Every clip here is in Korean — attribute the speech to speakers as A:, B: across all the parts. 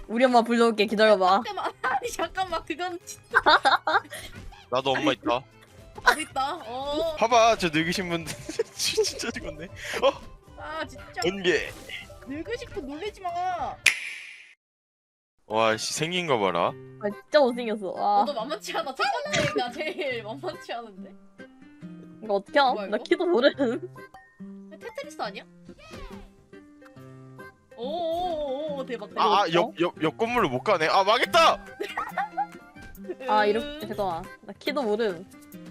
A: 우리 엄마 불러올게. 기다려봐.
B: 아니 잠깐만 그건 진짜
C: 나도 엄마 있다.
B: 어디 있다.
C: 봐봐 저 늙으신 분들 진짜 죽었네.
B: 아 진짜
C: 번개.
B: 늙으신 분 놀리지 마.
C: 와씨 생긴 거 봐라.
A: 아 진짜 못생겼어. 아
B: 너도 만만치 않아. 첫 번째가 제일 만만치 않은데.
A: 이거 어떻게 함?
B: 뭐야,
A: 나
B: 이거?
A: 키도 모르는.
B: 테트리스 아니야? 오오오오 대박 대박.
C: 아옆 건물로 못 가네. 아 망했다.
A: 아 이렇게 잠깐만. 나 키도 모르는.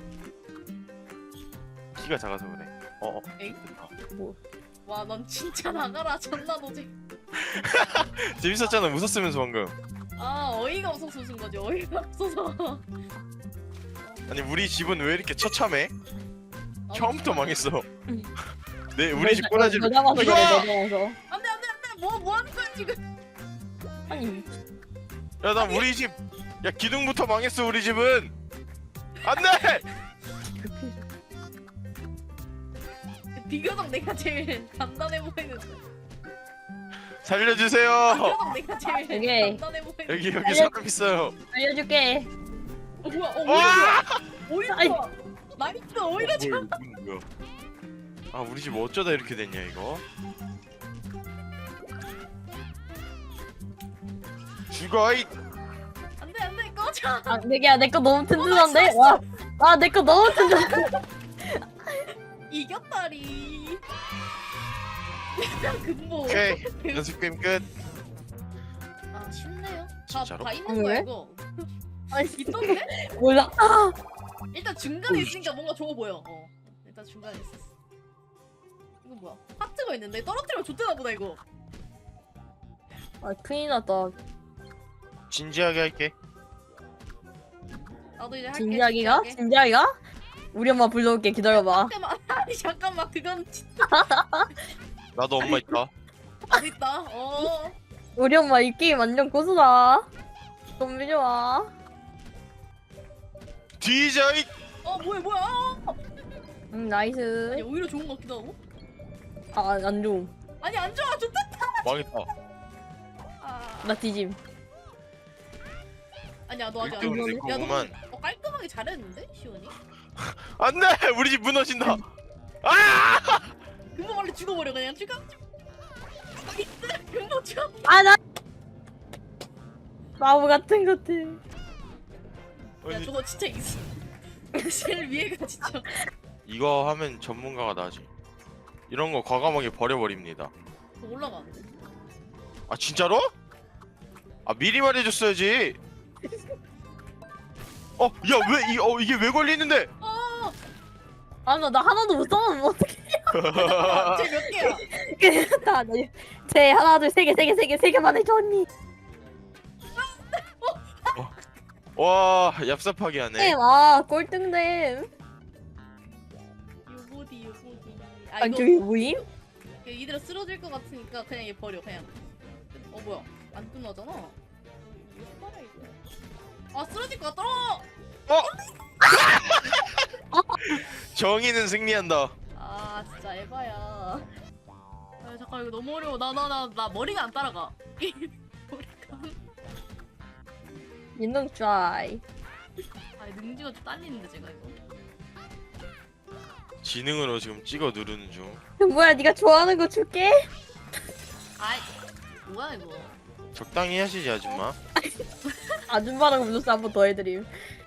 C: 키가 작아서 그래.
B: 엥?
C: 됐다.
B: 와 넌 진짜 나가라. 존나 노지.
C: 재밌었잖아 웃었으면서 방금.
B: 아 어이가 없어서 웃은 거지. 어이가 없어서.
C: 아니 우리 집은 왜 이렇게 처참해?
B: 아,
C: 처음부터 망했어. 네 우리 집 꼬라지.
A: 너 잡아서 그래.
C: 이거!
A: 너 잡아서.
B: 안돼 안돼 안돼. 뭐 하는 거야 지금?
A: 아니
C: 야나 우리 집. 야 기둥부터 망했어 우리 집은. 안돼.
B: 비교적 내가 제일 간단해 보이는데.
C: 살려주세요.
B: 비교적 내가 제일
A: 오케이.
B: 간단해 보이는데.
C: 여기 사람 있어요.
A: 알려줄게.
B: 뭐야?
C: 와!
B: 오히려
A: 아이.
B: 좋아. 나이스 오히려 좋아.
C: 뭐야? 아 우리 집 어쩌다 이렇게 됐냐 이거? 죽어 이.
B: 안돼 꺼져.
A: 아 내게야 내 거 너무 튼튼한데. 와. 아 내 거 너무 튼튼.
B: 이겼다리. 근본.
C: 오케이 연습 게임 끝.
B: 아 쉽네요.
C: 진짜로?
B: 다 있는 거야
A: 왜?
B: 이거.
A: 아니
B: 있던데?
A: 몰라. 아.
B: 일단 중간에 있으니까 뭔가 좋아 보여. 일단 중간에 있었어. 이거 뭐야? 하트가 있는데 떨어뜨리면 좋대나 보다 이거.
A: 아 큰일 났다.
C: 진지하게 할게.
B: 나도 이제 할게.
A: 진지하기가?
B: 진지하게.
A: 진지하기가? 우리 엄마 불러올게. 기다려봐.
B: 잠깐만. 아니 잠깐만 그건 진짜
C: 나도 엄마 있다.
B: 어디 있다.
A: 우리 엄마 이 게임 완전 고수다. 좀 믿어와.
C: 뒤져 이.
B: 뭐야?
A: 응 나이스.
B: 아니 오히려 좋은 것 같기도 하고.
A: 아 안 좋음.
B: 아니 안 좋아 좋다.
C: 망했다.
A: 나 뒤짐.
B: 아니야 너 아직 안
C: 1등은 내
B: 좋아. 야, 너
C: 거구만.
B: 깔끔하게 잘했는데 시원이?
C: 안돼 우리 집 무너진다. 아!
B: 금방 빨리 죽어버려 그냥 죽어. 금방 죽어.
A: 아 나. 바보 같은 것들.
B: 야 저거 진짜 있어. 제일 위에가 진짜.
C: 이거 하면 전문가가 나지. 이런 거 과감하게 버려버립니다.
B: 더 올라가는데?
C: 아 진짜로? 아 미리 말해줬어야지. 이게 왜 걸리는데?
A: 아 나 하나도 못 써면 어떡해.
B: 쟤몇 개야?
A: 제 하나 둘 세 개 개만 해줘 언니.
C: 와 얍삽하게 하네.
A: 와 꼴등됨.
B: 요보디. 아
A: 아니
B: 이거
A: 저기 뭐임?
B: 이대로 쓰러질 것 같으니까 그냥 얘 버려 그냥. 뭐야? 안 끝나잖아. 이거 빨아 이거. 아 쓰러질 것 같다.
C: 정의는 승리한다.
B: 아 진짜 에바야. 아 잠깐 이거 너무 어려워. 나 머리가 안 따라가. 머리가.
A: 인동 트라이.
B: 아 능지가 좀 딸리는데 제가 이거.
C: 지능으로 지금 찍어 누르는 중.
A: 뭐야 네가 좋아하는 거 줄게.
B: 아이 뭐야 이거.
C: 적당히 하시지 아줌마.
A: 아줌마라고 불렀어. 한 번 더 해드림.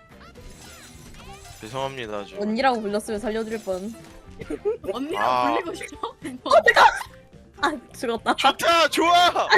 C: 죄송합니다 아줌마.
A: 언니라고 불렀으면 살려드릴 뻔.
B: 언니랑 불리고 싶어?
A: 아 죽었다.
C: 좋다 좋아.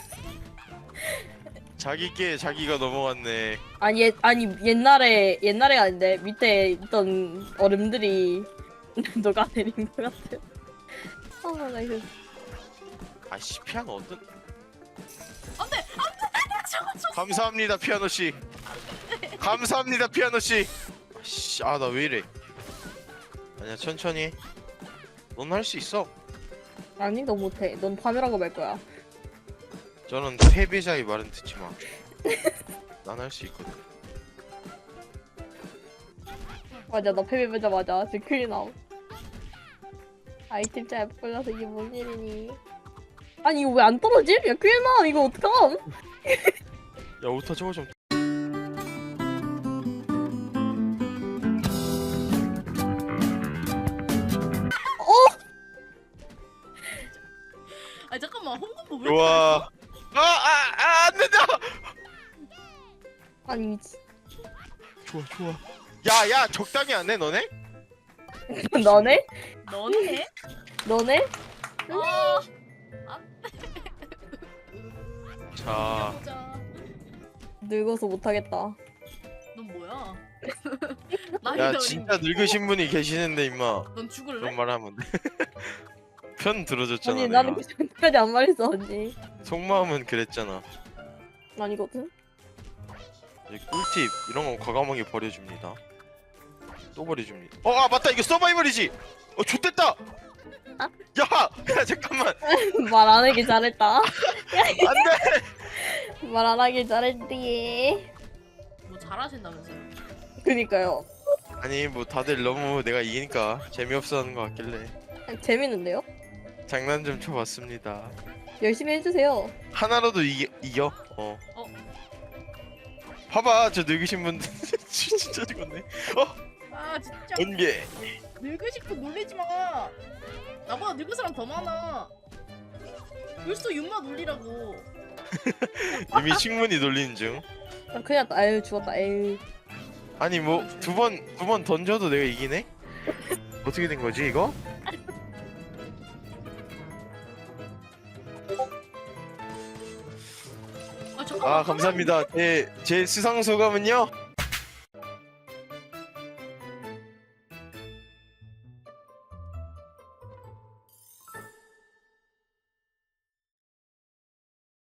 C: 자기께 자기가 넘어갔네.
A: 아니 옛날에 아닌데 밑에 있던 얼음들이 녹아내린 것 같아. 나 이거
C: 아씨 피아노 어떤?
B: 안돼 저거
C: 감사합니다 피아노 씨. 감사합니다 피아노 씨. 아 나 왜 이래? 아니야 천천히. 넌 할 수 있어.
A: 아니 너 못해. 넌 파멸하고 말 거야.
C: 저는 패배자의 말은 듣지 마. 난 할 수 있거든.
A: 맞아 나 패배자마자 지금 큰일 나옴. 아이템 잘 골라서 이게 뭔 일이니? 아니 이거 왜 안 떨어짐? 야 큰일 나. 이거 어떡함?
C: 야 오타 저거 좀.
B: 아 잠깐만 홍콩보 왜?
C: 좋아. 안 된다.
A: 아니 미치.
C: 좋아 좋아. 야야 적당히 안 해 너네?
A: 너네?
B: 너네?
A: 너네?
B: 아,
C: 자.
B: 보자.
A: 늙어서 못하겠다.
B: 넌 뭐야? 나이
C: 야
B: 어린.
C: 진짜 늙으신 분이 계시는데 임마
B: 넌 죽을래?
C: 그런 말 하면 돼. 편 들어줬잖아
A: 아니
C: 내가.
A: 나는 그 정도까지 안 말했어 언니.
C: 속마음은 그랬잖아.
A: 아니거든.
C: 이제 꿀팁 이런 거 과감하게 버려줍니다. 또 버려줍니다. 맞다 이거 서바이벌이지. 좋댔다. 야 잠깐만.
A: 말 안 하길 잘했다.
C: 안돼.
A: 말 안 하길 잘했디.
B: 뭐 잘하신다면서요?
A: 그니까요.
C: 아니 뭐 다들 너무 내가 이기니까 재미없어하는 것 같길래
A: 재밌는데요?
C: 장난 좀 쳐봤습니다.
A: 열심히 해주세요.
C: 하나라도 이겨. 봐봐 저 늙으신 분들 진짜 죽었네.
B: 아 진짜
C: 번개.
B: 늙으신 분 놀리지 마. 나보다 늙은 사람 더 많아. 벌써 윤마 놀리라고.
C: 이미 충분히 놀리는 중.
A: 아, 그냥 아유 죽었다. 에이.
C: 아니 뭐 두 번 던져도 내가 이기네? 어떻게 된 거지 이거?
B: 아 잠깐만.
C: 감사합니다. 제 수상 소감은요?